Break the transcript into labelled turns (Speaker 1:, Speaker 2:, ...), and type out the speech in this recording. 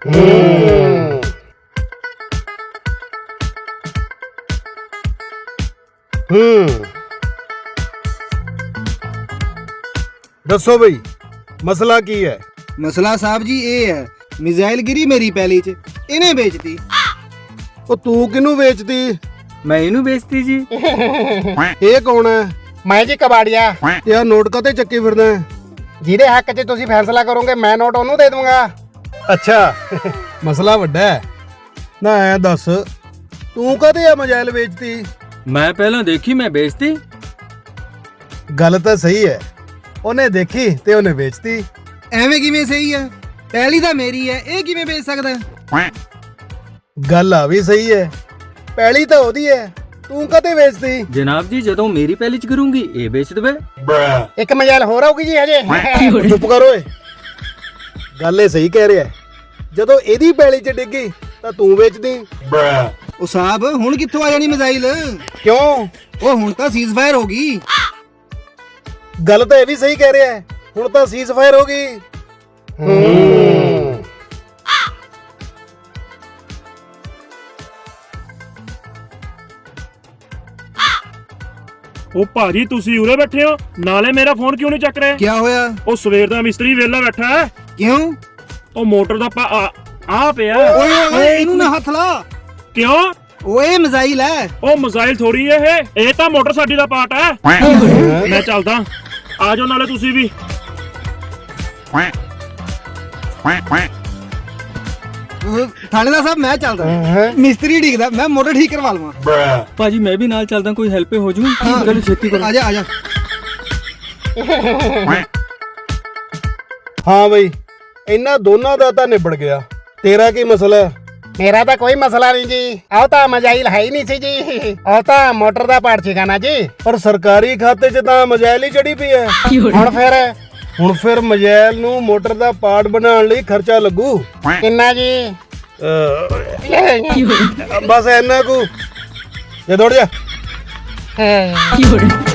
Speaker 1: ਦੱਸੋ ਬਈ ਮਸਲਾ ਕੀ ਹੈ?
Speaker 2: ਮਸਲਾ ਸਾਹਿਬ ਜੀ ਇਹ ਹੈ, ਮਿਜ਼ਾਈਲ ਗਿਰੀ ਮੇਰੀ ਪੈਲੀ 'ਚ, ਇਹਨੇ ਵੇਚਤੀ।
Speaker 1: ਉਹ ਤੂੰ ਕਿਹਨੂੰ ਵੇਚਦੀ?
Speaker 2: ਮੈਂ ਇਹਨੂੰ ਵੇਚਤੀ ਜੀ।
Speaker 1: ਇਹ ਕੌਣ ਹੈ?
Speaker 3: ਮੈਂ ਜੀ ਕਬਾੜੀਆ।
Speaker 1: ਯਾਰ ਨੋਟ ਕਾਤੇ ਚੱਕੀ ਫਿਰਦਾ ਹੈ?
Speaker 3: ਜਿਹਦੇ ਹੱਕ 'ਚ ਤੁਸੀਂ ਫੈਸਲਾ ਕਰੋਗੇ ਮੈਂ ਨੋਟ ਉਹਨੂੰ ਦੇ ਦੂੰਗਾ।
Speaker 1: ਅੱਛਾ ਮਸਲਾ ਵੱਡਾ ਹੈ ਨਾ। ਐ ਦੱਸ ਤੂੰ ਕਦੇ ਆ ਮੋਬਾਈਲ ਵੇਚਤੀ?
Speaker 4: ਮੈਂ ਪਹਿਲਾਂ ਦੇਖੀ, ਮੈਂ ਵੇਚਤੀ।
Speaker 1: ਗੱਲ ਤਾਂ ਸਹੀ ਹੈ, ਉਹਨੇ ਦੇਖੀ ਤੇ ਉਹਨੇ ਵੇਚਤੀ।
Speaker 2: ਐਵੇਂ ਕਿਵੇਂ ਸਹੀ ਹੈ? ਪੈਲੀ ਤਾਂ ਮੇਰੀ ਹੈ, ਇਹ ਕਿਵੇਂ ਵੇਚ ਸਕਦਾ?
Speaker 1: ਗੱਲ ਆ ਵੀ ਸਹੀ ਹੈ, ਪੈਲੀ ਤਾਂ ਉਹਦੀ ਹੈ, ਤੂੰ ਕਦੇ ਵੇਚਤੀ?
Speaker 4: ਜਨਾਬ ਜੀ ਜਦੋਂ ਮੇਰੀ ਪਹਿਲੀ ਚ ਕਰੂੰਗੀ ਇਹ ਵੇਚ ਦੇਵੇ।
Speaker 3: ਇੱਕ ਮਜਾਲ ਹੋਰ ਆਊਗੀ ਜੀ ਹਜੇ।
Speaker 1: ਚੁੱਪ ਕਰ ਓਏ, ਗੱਲ ਇਹ ਸਹੀ ਕਹਿ ਰਿਹਾ ਹੈ। ਜਦੋਂ ਇਹਦੀ ਪੈਲੀ 'ਚ ਡਿੱਗੀ ਤਾਂ ਤੂੰ ਵੇਚਦੀ।
Speaker 2: ਉਹ ਸਾਹਿਬ ਹੁਣ ਕਿੱਥੋਂ ਆ ਜਾਣੀ ਮਿਜ਼ਾਈਲ?
Speaker 1: ਕਿਉਂ?
Speaker 2: ਉਹ ਹੁਣ ਤਾਂ ਸੀਜ਼ਫਾਇਰ ਹੋ ਗਈ।
Speaker 1: ਗੱਲ ਤਾਂ ਇਹ ਵੀ ਸਹੀ ਕਹਿ ਰਿਹਾ ਹੈ, ਹੁਣ ਤਾਂ ਸੀਜ਼ ਫਾਇਰ ਹੋ ਗਈ।
Speaker 5: ਉਹ ਭਾਜੀ ਤੁਸੀਂ ਉਰੇ ਬੈਠੇ ਹੋ, ਨਾਲੇ ਮੇਰਾ ਫੋਨ ਕਿਉਂ ਨਹੀਂ ਚੱਕ ਰਹੇ?
Speaker 2: ਕੀ ਹੋਇਆ?
Speaker 5: ਉਹ ਸਵੇਰ ਦਾ ਮਿਸਤਰੀ ਵਿਹਲਾ ਬੈਠਾ ਹੈ।
Speaker 2: ਕਿਉਂ?
Speaker 5: ਉਹ ਮੋਟਰ ਦਾ ਆ ਪਿਆ।
Speaker 2: ਓਏ ਓਏ ਇਹਨੂੰ ਨਾ ਹੱਥ ਲਾ।
Speaker 5: ਕਿਉਂ?
Speaker 2: ਓਏ ਮਿਜ਼ਾਈਲ ਹੈ।
Speaker 5: ਉਹ ਮਿਜ਼ਾਈਲ ਥੋੜੀ ਇਹ ਤਾਂ ਮੋਟਰ ਸਾਡੀ ਦਾ ਪਾਰਟ ਹੈ। ਮੈਂ ਚੱਲਦਾ, ਆ ਜਾਓ ਨਾਲੇ ਤੁਸੀਂ ਵੀ।
Speaker 2: ਥਾਣੇਦਾਰ ਸਾਹਿਬ ਮੈਂ ਚੱਲਦਾ, ਮਿਸਤਰੀ ਡਿੱਗਦਾ, ਮੈਂ ਮੋਟਰ ਠੀਕ ਕਰਵਾ ਲਵਾਂ।
Speaker 4: ਭਾਜੀ ਮੈਂ ਵੀ ਨਾਲ ਚੱਲਦਾ, ਕੋਈ ਹੈਲਪ ਹੋ ਜੂ। ਚਲੋ ਛੇਤੀ ਕਰੋ।
Speaker 2: ਆ ਜਾ ਆ ਜਾ।
Speaker 1: ਹਾਂ ਬਈ ਇਹਨਾਂ ਦੋਨਾਂ ਦਾ ਤਾਂ ਨਿਬੜ ਗਿਆ। ਤੇਰਾ ਕੀ ਮਸਲਾ ਹੈ?
Speaker 3: ਮੇਰਾ ਤਾਂ ਕੋਈ ਮਸਲਾ ਨਹੀਂ ਜੀ। ਆਹ ਤਾਂ ਮਜਾਇਲ ਹੈ ਹੀ ਨਹੀਂ ਸੀ ਜੀ, ਆਹ ਤਾਂ ਮੋਟਰ ਦਾ ਪਾਰਟ ਸੀਗਾ ਨਾ ਜੀ।
Speaker 1: ਪਰ ਸਰਕਾਰੀ ਖਾਤੇ 'ਚ ਤਾਂ ਮੋਬਾਈਲ ਹੀ ਚੜੀ ਪਈ ਹੈ।
Speaker 3: ਹੁਣ ਫਿਰ
Speaker 1: ਮੋਬਾਈਲ ਨੂੰ ਮੋਟਰ ਦਾ ਪਾਰਟ ਬਣਾਉਣ ਲਈ ਖਰਚਾ ਲੱਗੂ।
Speaker 3: ਕਿੰਨਾ ਜੀ?
Speaker 1: ਬਸ ਇੰਨਾ ਕੁ। ਜੇ ਦੌੜ ਜਾ।